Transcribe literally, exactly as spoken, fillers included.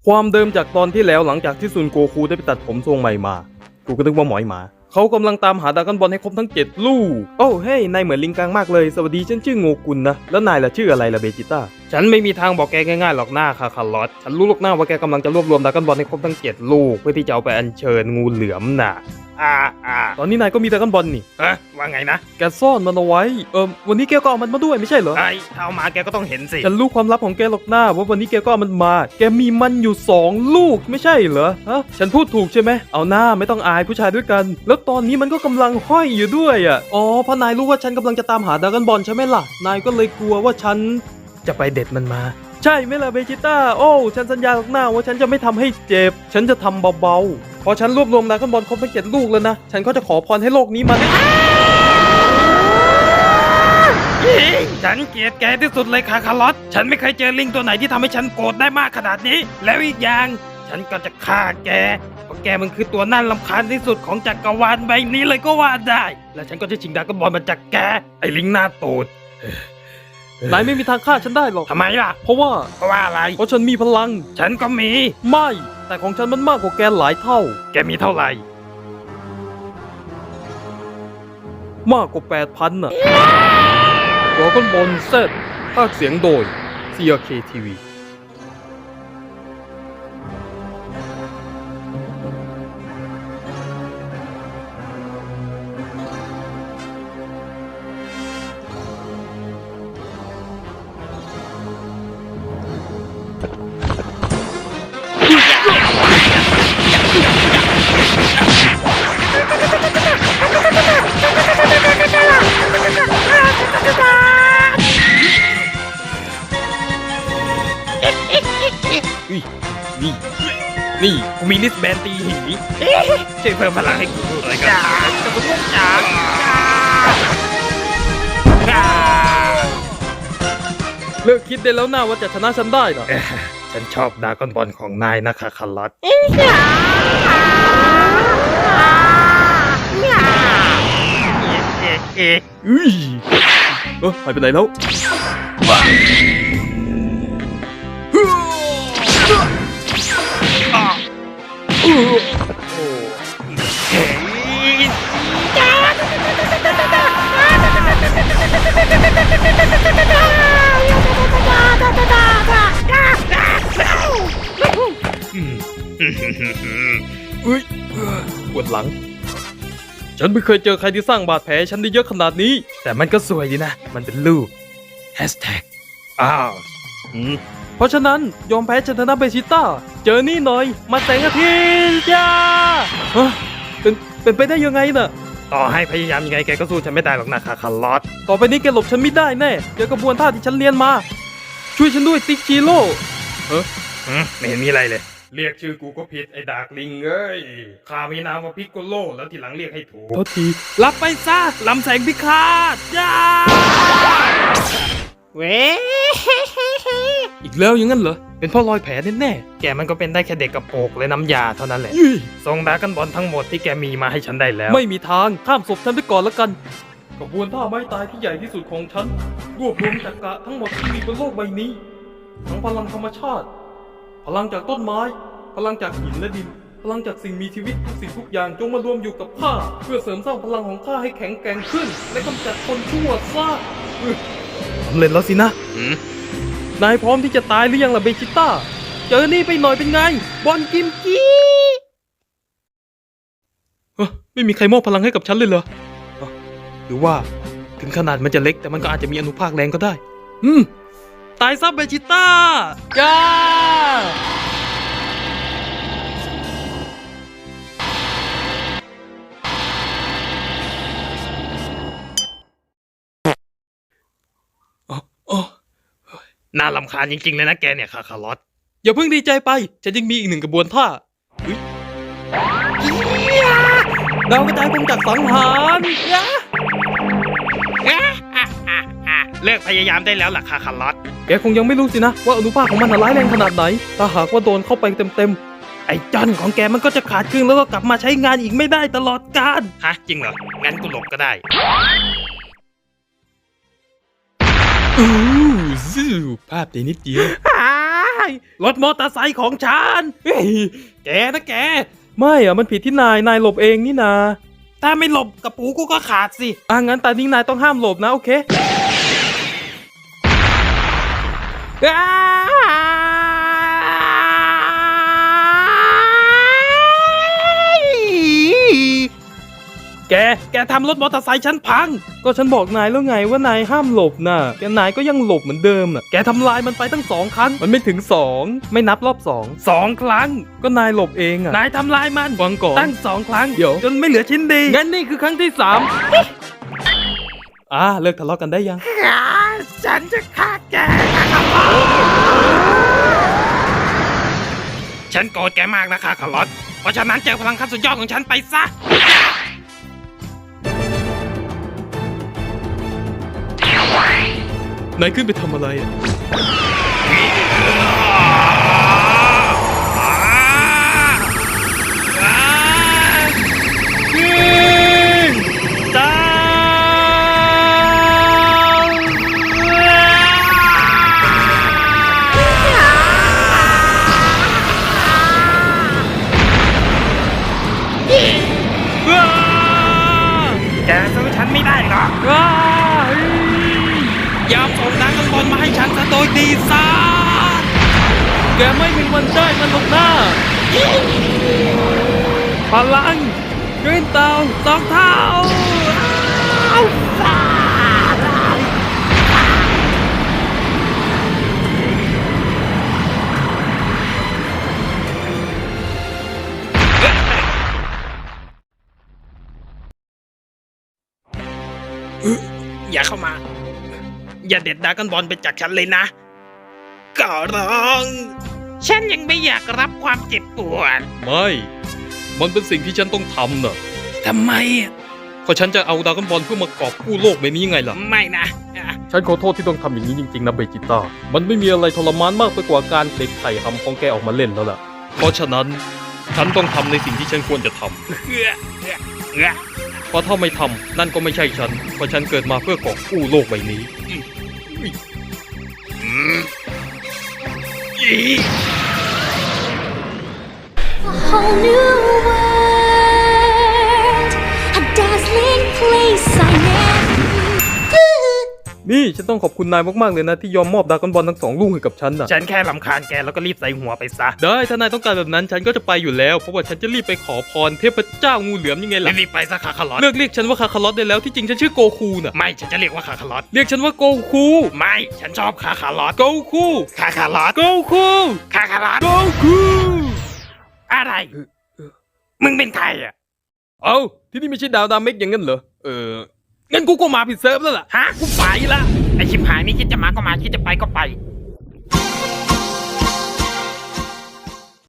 ความเดิมจากตอนที่แล้วหลังจากที่ซุนโกคูได้ไปตัดผมทรงใหม่มากูก็นึกว่าหมอยหมาเขากำลังตามหาดราก้อนบอลให้ครบทั้งเจ็ดลูกโอ้เฮ้ยนายเหมือนลิงกังมากเลยสวัสดีฉันชื่อโงกุลนะแล้วนายล่ะชื่ออะไรล่ะเบจิต้าฉันไม่มีทางบอกแกง่ายๆหรอกหน้าคาคาลอสฉันรู้ลูกหน้าว่าแกกำลังจะรวบรวมดราก้อนบอลให้ครบทั้งเจ็ดลูกเพื่อที่จะเอาไปอัญเชิญงูเหลือมน่ะอ่าอ่าตอนนี้นายก็มีดราก้อนบอลนี่เอ๊ะว่าไงนะแกซ่อนมันเอาไว้เออวันนี้แกก็เอามันมาด้วยไม่ใช่เหรอไอ้ถ้าเอามาแกก็ต้องเห็นสิฉันรู้ความลับของแกหรอกหน้าว่าวันนี้แกก็เอามันมาแกมีมันอยู่สองลูกไม่ใช่เหรอฮะฉันพูดถูกใช่ไหมเอาหน้าไม่ต้องอายผู้ชายด้วยกันแล้วตอนนี้มันก็กำลังห้อยอยู่ด้วยอ่ะอ๋อเพราะนายรู้ว่าฉันกำลังจะตามหาดราก้อนบอลใช่ไหมล่ะนายก็เลยกลัวว่าฉันจะไปเด็ดมันมาใช่ไหมล่ะเบจิต้าโอ้ฉันสัญญาหรอกหน้าว่าฉันจะไม่ทำให้เจ็บฉันจะทำเบาๆพอฉันรวบรวมดราก้อนบอลครบทั้งเจ็ดลูกแล้วนะฉันก็จะขอพรให้โลกนี้มันฉันเกลียดแกที่สุดเลยคาคาลอสฉันไม่เคยเจอลิงตัวไหนที่ทำให้ฉันโกรธได้มากขนาดนี้แล้วอีกอย่างฉันก็จะฆ่าแกเพราะแกมันคือตัวน่ารำคาญที่สุดของจักรวาลใบนี้เลยก็ว่าได้และฉันก็จะชิงดราก้อนบอลมาจากแกไอ้ลิงหน้าตูดนายไม่มีทางฆ่าฉันได้หรอกทำไมล่ะเพราะว่าเพราะว่าอะไรเพราะฉันมีพลังฉันก็มีไม่แต่ของฉันมันมากกว่าแกหลายเท่าแกมีเท่าไหร่มากกว่า แปดพัน น่ะดราก้อนบอลเซตภาคเสียงโดย ซี อาร์ เค ที วีนี่นี่กูมีลิสแบนตีหีช่วยเพิ่มพลังให้กูด้วยกันจะกูต้องจ่าเลิกคิดได้แล้วนะว่าจะชนะฉันได้นะฉันชอบดราก้อนบอลของนายนะคาคาลัสเอ๊ะอุ้ยเออหายไปไหนแล้วอุ้ยปวดหลังฉันไม่เคยเจอใครที่สร้างบาดแผลฉันได้เยอะขนาดนี้แต่มันก็สวยดีนะมันเป็นลูกแฮชแท็กอ้าวเพราะฉะนั้นยอมแพ้ชนะเบจิต้าเจอนี่หน่อยมาแสงอาทิตย์จ้าเป็นเป็นไปได้ยังไงน่ะต่อให้พยายามยังไงแกก็สู้ฉันไม่ได้หรอกนะคาคาลอสต่อไปนี้แกหลบฉันไม่ได้แน่เจอกระบวนท่าที่ฉันเรียนมาช่วยฉันด้วยติ๊กจิโร่เออไม่เห็นมีอะไรเลยเรียกชื่อกูก็ผิดไอ้ดากลิงเอ้ยข้ามีนามว่าพิกโกโลแล้วทีหลังเรียกให้ถูกโทษทีรับไปซะลำแสงพิฆาตจ้าเว้อีกแล้วอย่างนั้นเหรอเป็นเพราะรอยแผลแน่ๆแกมันก็เป็นได้แค่เด็กกระโปรงและน้ำยาเท่านั้นแหละส่งดราก้อนบอลทั้งหมดที่แกมีมาให้ฉันได้แล้วไม่มีทางข้ามศพฉันไปก่อนแล้วกันกระบวนท่าไม้ตายที่ใหญ่ที่สุดของฉันรวบรวมจักระทั้งหมดที่มีบนโลกใบนี้ทั้งพลังธรรมชาติพลังจากต้นไม้พลังจากหินและดินพลังจากสิ่งมีชีวิตทุกสิ่งทุกอย่างจงมารวมอยู่กับข้าเพื่อเสริมสร้างพลังของข้าให้แข็งแกร่งขึ้นและกำจัดคนชั่วซะสำเร็จแล้วสินะนายพร้อมที่จะตายหรือยังล่ะเบจิต้าเจอนี่ไปหน่อยเป็นไงบอลกิมจิเฮ้ยไม่มีใครมอบพลังให้กับฉันเลยเหรอหรือว่าถึงขนาดมันจะเล็กแต่มันก็อาจจะมีอนุภาคแรงก็ได้อืมตายซะเบจิต้าจ้าน่ารำคาญจริงๆเลยนะแกเนี่ยคาคาลอสอย่าเพิ่งดีใจไปฉันยังมีอีกหนึ่งกระบวนท่าดาวกระจายกงจักรสังหารเลิกพยายามได้แล้วล่ะคาคาลอสแกคงยังไม่รู้สินะว่าอนุภาคของมันร้ายแรงขนาดไหนถ้าหากว่าโดนเข้าไปเต็มๆไอ้จันของแกมันก็จะขาดครึ่งแล้วก็กลับมาใช้งานอีกไม่ได้ตลอดกาลฮะจริงเหรองั้นกูหลบก็ได้อู้ซูภาพดีนิดเดียวรถมอเตอร์ไซค์ของฉันเฮ้ยแกนะแกไม่อะมันผิดที่นายนายหลบเองนี่นาถ้าไม่หลบกระปูกูก็ขาดสิอ่ะงั้นตอนนี้นายต้องห้ามหลบนะโอเคแก แกทำรถมอเตอร์ไซค์ฉันพัง ก็ฉันบอกนายแล้วไงว่านายห้ามหลบน่ะ แกนายก็ยังหลบเหมือนเดิมน่ะ แกทำลายมันไปตั้งสองครั้ง มันไม่ถึงสองไม่นับรอบสองสองครั้ง ก็นายหลบเองอ่ะ นายทำลายมันฟังก่อนตั้งสองครั้ง เดี๋ยวจนไม่เหลือชิ้นดี งั้นนี่คือครั้งที่สามอ่าเลิกทะเลาะกันได้ยังฉันจะฆ่าแกฉันโกรธแกมากนะคะคาร์ลอตเพราะฉะนั้นเจอพลังขั้นสุดยอดของฉันไปซะนายขึ้นไปทำอะไรอ่ะแกสู้ฉันไม่ได้หรอกยอมส่งดราก้อนบอลมาให้ฉันซะโดยดีซะแกไม่มีวันได้มันหรอกนะพลังกรีนเตาสองเท้าอย่าเข้ามาอย่าเด็ดดราก้อนบอลไปจากฉันเลยนะก็ร้องฉันยังไม่อยากรับความเจ็บปวดไม่มันเป็นสิ่งที่ฉันต้องทำน่ะทำไมอ่ะเพราะฉันจะเอาดราก้อนบอลเพื่อมากอบกู้โลกใบนี้ยังไงล่ะไม่นะฉันขอโทษที่ต้องทำอย่างนี้จริงๆนะเบจิต้ามันไม่มีอะไรทรมานมากไปกว่าการเด็กไข่หำของแกออกมาเล่นแล้วล่ะเพราะฉะนั้นฉันต้องทำในสิ่งที่ฉันควรจะทำเพราะถ้าไม่ทำนั่นก็ไม่ใช่ฉันเพราะฉันเกิดมาเพื่อกอบกู้โลกใบนี้ A whole new world, a dazzling place I never knew. นี่ฉันต้องขอบคุณนายมากๆเลยนะที่ยอมมอบดราก้อนบอลทั้งสองลูกให้กับฉันนะฉันแค่รำคาญแกแล้วก็รีบใส่หัวไปซะได้ถ้านายต้องการแบบนั้นฉันก็จะไปอยู่แล้วเพราะว่าฉันจะรีบไปขอพรเทพเจ้างูเหลือมยังไงล่ะรีบไปซะคาคาร์ลอตเลิกเรียกฉันว่าคาคาร์ลอตได้แล้วที่จริงฉันชื่อโกคูน่ะไม่ฉันจะเรียกว่าคาคาร์ลอตเรียกฉันว่าโกคูไม่ฉันชอบคาคาร์ลอตโกคูคาคาร์ลอตโกคูคาคาร์ลอตโกคูอะไรมึงเป็นใครอ่ะเอ้าที่นี่ไม่ใช่ดาวดาเมกอย่างงั้นเหรอเอองั้นกูก็มาผิดเซิร์ฟแล้วล่ะฮะกูไปละไอชิบหายนี่คิดจะมาก็มาคิดจะไปก็ไป